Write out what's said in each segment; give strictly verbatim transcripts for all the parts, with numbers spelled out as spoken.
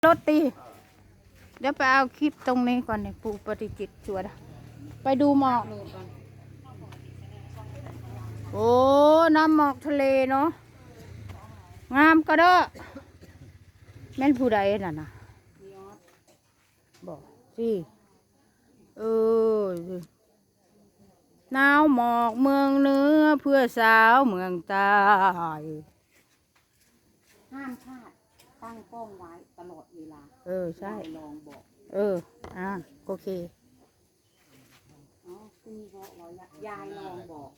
รถตีเดี๋ยวไปเอาคลิปตรงนี้ก่อนเนี่ยปู่ปฏิจิตรชวนไปดูหมอกโอ้น้ำหมอกทะเลเนาะงามก็เด้อแม่นผู้ใดน่ะนะบอกสิเออหนาวหมอกเมืองเหนือเพื่อสาวเมืองใต้ห้ามพลาดตั้งกล้องไว้ตลอดเวลาเออใช่ลองบอกเอออ่าโอเคอ๋อคุณบอกเรายายลองบอก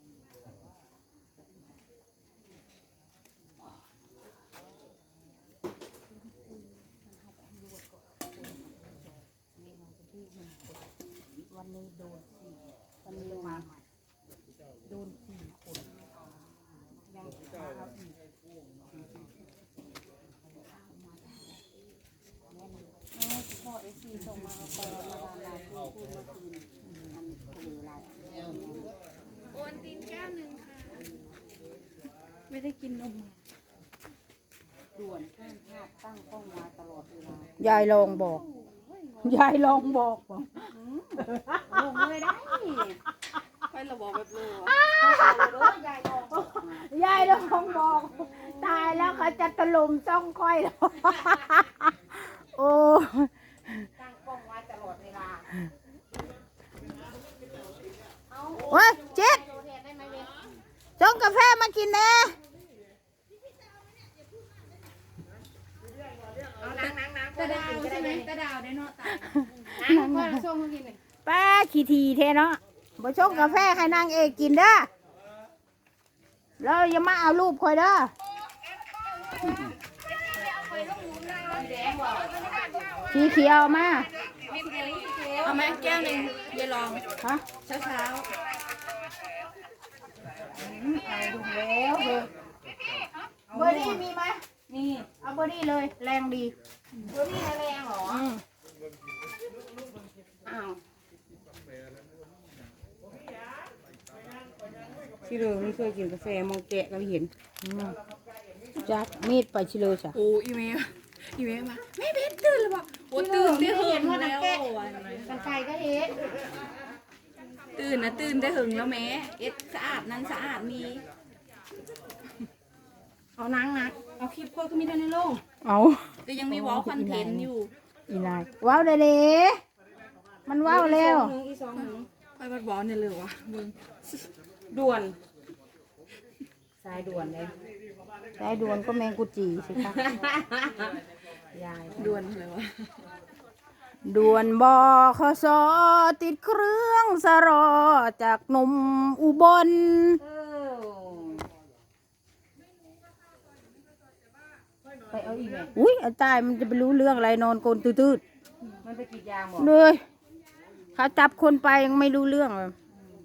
วันนี้โดนสี่วันนี้มาใหม่โดนสี่คนยังมาเอาอีกพ่อเอซีส่งมาตอนมาดามลาพูดเมื่อคืนมันคืออะไรโอนตินแก้วหนึ่งค่ะไม่ได้กินนมด่วนห้ามพลาดตั้งกล้องมาตลอดเวลายายลองบอกยายลองบอกบอกลงเลยได้ไประบอกแบบเลยยายลองยายลองบอกตายแล้วเขาจะตะลุมจ้องค่อยแล้วโอ้ตั้งกล้องไว้ตลอดเวลาเฮ้ยเจ็ดชงกาแฟมากินแน่เอานั่งนั่งนั่งตะดาวใช่ไหมตะดาวได้เนาะตายนั่งพอเราส่งมากินเลยป้าขี้ทีเทเนาะมาชงกาแฟให้นางเอกกินเด้อแล้วอย่ามาเอารูปคอยเด้อสีเขียวมาเอาไหมแก้วหนึ่งเดี๋ยวลองฮะเช้าเช้าเอาดูแล้วเบอร์เบอร์ดี้มีไหมมีเอาเบอร์ดี้เลยแรงดีเบอร์ดี้แรงเหรออ้าวชิโร่ไม่เคยกินกาแฟมองแกะก็เห็นจักมีดไปชิโร่จ้ะโอ้อีเมลอีเมลมาแม่เบสตื่นหรือเปล่าโอ้ตื่นได้หึงแล้วกันไฟก็เห็นตื่นนะตื่นได้หึงแล้วแม่เอ็ดสะอาดนั้นสะอาดมีเอานังนะเอาคลิปโคตรก็มีได้ในโลกเอาก็ยังมีวอลคอนเทนต์อยู่อีนายว้าวเด้เด้มันว้าวแล้วอีสองหนึ่งไปบัดบอลเนี่ยเลยวะมึงด่วนสายด่วนเลยสายด่วนก็แมงกุจีสิคะยายด่วนเลยวะด่วนบอขสอติดเครื่องสรอจากหนุ่มอุบลไปเอาอีกไหมอุ้ยตายมันจะไปรู้เรื่องอะไรนอนโกนตืดๆมันไปกินยางหมดเลยเขาจับคนไปยังไม่รู้เรื่องเลย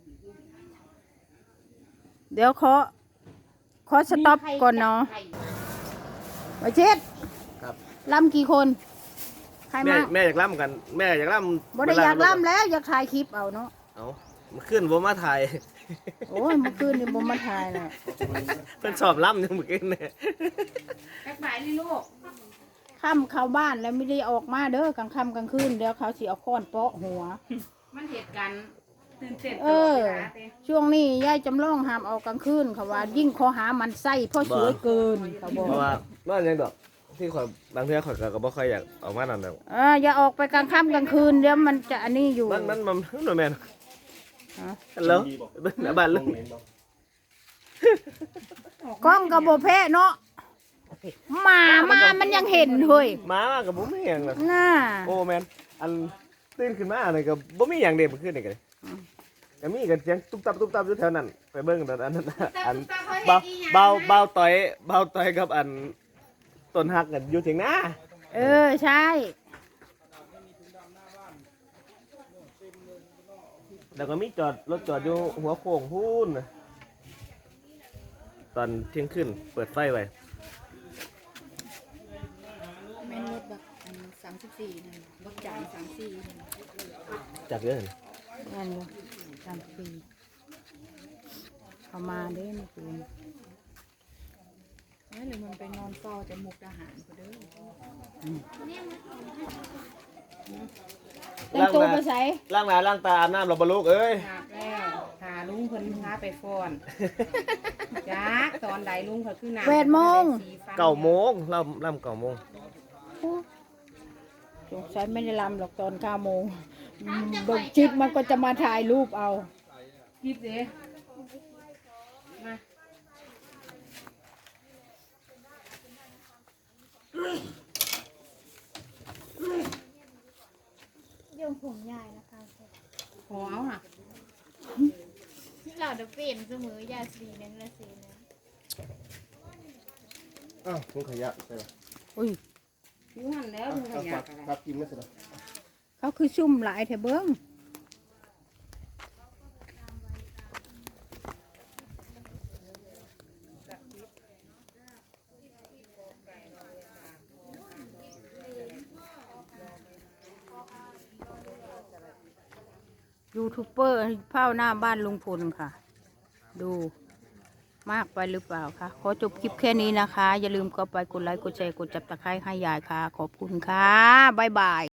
เดี๋ยวขอขอสต็อปก่อนเนาะมาเช็ดล่ำกี่คนใครมาแม่อยากล่ำกันแม่อยากล่ำบ่ได้อยากล่ำแล้วอยากถ่ายคลิปเอาเนาะเอามาขึ้นบ่มาถ่ายโอ้ยเมื่อคืนนี่บ่มาถ่ายน่ะเพิ่นสอบล่ำอยู่เมื่อกี้เนี่ยแป๊บไหนนี่ลูกค่ำเข้าบ้านแล้วไม่ได้ออกมาเด้อกลางค่ำกลางคืนเดี๋ยวเขาสิเอาค้อนเปาะหัวมันเหตุการณ์ตื่นเต้นเออช่วงนี้ยายจำลองห้ามออกกลางคืนเขาว่ายิ่งข้อหามันไส้เพราะสวยเกินเขาบอกเพราะว่าบ้านยังดอกที่ข่อยบางเทื่อข่อยก็บ่ค่อยอยากออกมานั่นแล้วเอออย่าออกไปกลางค่ำกลางคืนเดี๋ยวมันจะอันนี้อยู่มันมันมันหน่อยแม่นฮัลโหลบ้านลุงกล้องกับโบแพ้เนาะหมามามันยังเห็นเฮ้ยหมากับบ่มีหยังน่ะน่าโอ้แม่นอันตื่นขึ้นมาอันนี้ก็บ่มีหยังเด้เมื่อคืนนี่ก็ก็มีกันเสียงตุ๊บตับตุ๊บตับอยู่แถวนั้นไปเบิ่งอันนั้นอันเบาเบาเบาต่อยเบาต่อยกับอันต้นหักกันอยู่ถึงนะเออใช่แล้วก็มีจอดรถจอดอยู่หัวโค้งพูนตอนเที่ยงคืนเปิดไฟไว้แม่นรถแบบสามสิบสี่รถจ่ายสามสี่จากเยอะเลยนั่นเลยสามสี่เขามาเด้เมื่อคืนไม่เลยมันไปนอนเฝ้าจะมุกอาหารเขาเด้อแต่งตัวไปใส่ล้างหน้าล้างตาอาบน้ำเราบลูกเอ้ยอาบแล้วพาลุงเพิ่นพาไปฟ้อนจ้าตอนใดลุงเขาคือน้ำแปดโมงเก้าโมงล่ำล่ำเก้าโมงสงสัยไม่ได้ลำหรอกตอนเก้าโมงอืมเบิ่งจิตมันก็จะมาถ่ายรูปเอาคลิปเด้มาเรื่องผมใหญ่นะคะขอเอาค่ะเราจะเป็นเสมอยาสีนึงละสีนึงอ้าวถุงขยะใช่ไหมอุ้ยอยู่หันแล้วลุงขยะอะไรครับกินไม่เสร็จเขาคือซุ่มหลายแถเบิ้งยูทูบเบอร์เฝ้าหน้าบ้านลุงพลค่ะ ดูมากไปหรือเปล่าคะขอจบคลิปแค่นี้นะคะ อย่าลืมก็ไปกดไลค์กดแชร์กดจับตะไคร้ให้ยายค่ะ ขอบคุณค่ะ บ๊ายบาย